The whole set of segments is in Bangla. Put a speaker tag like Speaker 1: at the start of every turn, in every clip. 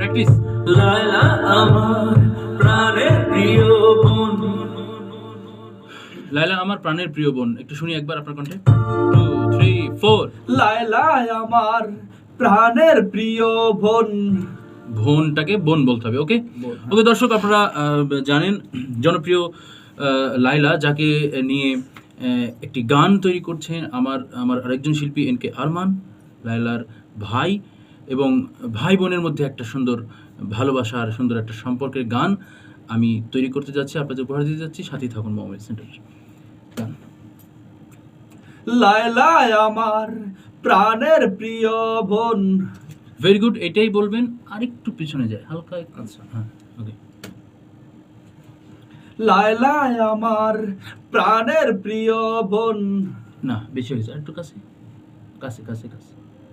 Speaker 1: প্র্যাকটিস।
Speaker 2: লায়লা আমার প্রাণের প্রিয় বোন।
Speaker 1: লায়লা আমার প্রাণের প্রিয় বোন, একটু শুনি একবার আপনার কণ্ঠে। 2 3 4।
Speaker 2: লায়লা আমার প্রাণের প্রিয় বোন।
Speaker 1: বোনটাকে বোন বলতে হবে। ওকে ওকে দর্শক, আপনারা জানেন জনপ্রিয় লায়লা, যাকে নিয়ে একটি গান তৈরি করছেন আমার আরেকজন শিল্পী এন কে আরমান, লায়লার ভাই, এবং ভাই বোনের মধ্যে একটা সুন্দর ভালোবাসার সুন্দর একটা সম্পর্কের গান আমি তৈরি করতে যাচ্ছি, আপনাদের উপহার দিতে যাচ্ছি। সাথেই থাকুন মোহাম্মদ সেন্টার গান।
Speaker 2: লায়লা আমার প্রাণের প্রিয় বোন।
Speaker 1: ভেরি গুড, এটাই বলবেন, আরেকটু পিছনে যায় হালকা। আচ্ছা হ্যাঁ ওকে।
Speaker 2: লায়লা আমার প্রাণের প্রিয় বোন।
Speaker 1: না বেশি হয়েছে, একটু কাছে কাছে কাছে কাছে।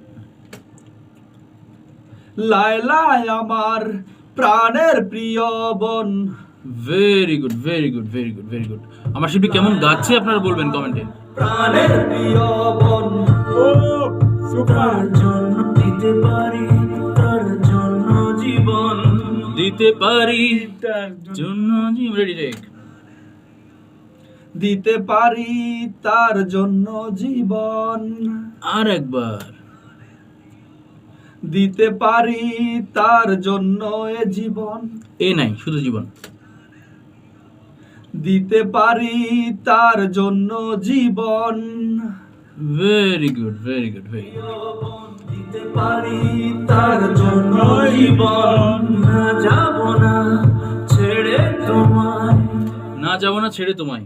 Speaker 2: লায়লা আমার প্রাণের প্রিয় বোন।
Speaker 1: Very good very good very good very good. আমার শিল্পী কেমন গাচ্ছে আপনারা বলবেন কমেন্টে।
Speaker 2: প্রাণের প্রিয় বোন। ও সুপার জন্য দিতে পারি তার জন্য জীবন।
Speaker 1: দিতে পারি তার জন্য জীবন। Ready take.
Speaker 2: দিতে পারি তার জন্য জীবন।
Speaker 1: আর একবার।
Speaker 2: দিতে পারি তার জন্য এ জীবন।
Speaker 1: এ নাই, শুধু জীবন।
Speaker 2: দিতে পারি তার জন্য জীবন।
Speaker 1: Very good very good very good.
Speaker 2: দিতে পারি তার জন্য জীবন। না যাব না ছেড়ে তোমায়।
Speaker 1: না যাব না ছেড়ে তোমায়।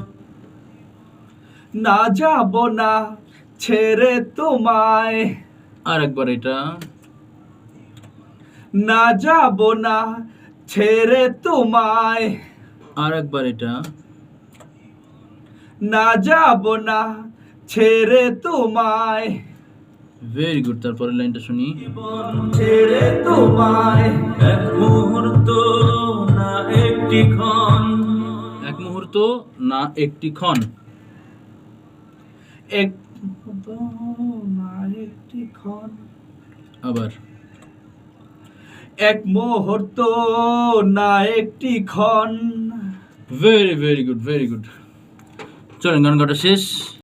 Speaker 2: না যাব না ছেড়ে তোমায়।
Speaker 1: আর একবার এটা।
Speaker 2: না যাব না ছেড়ে তোমায়।
Speaker 1: আর একবার এটা।
Speaker 2: না যাব না ছেড়ে তোমায়।
Speaker 1: ভেরি গুড, তারপরের লাইনটা শুনি।
Speaker 2: ছেড়ে তোমায় এক মুহূর্ত না একটি ক্ষণ।
Speaker 1: এক মুহূর্ত না একটি ক্ষণ।
Speaker 2: এক মুহূর্ত না একটি ক্ষণ।
Speaker 1: আবার।
Speaker 2: এক মুহূর্ত না একটি ক্ষণ।
Speaker 1: Very very good very good. চলেন গান গাটা শেষ।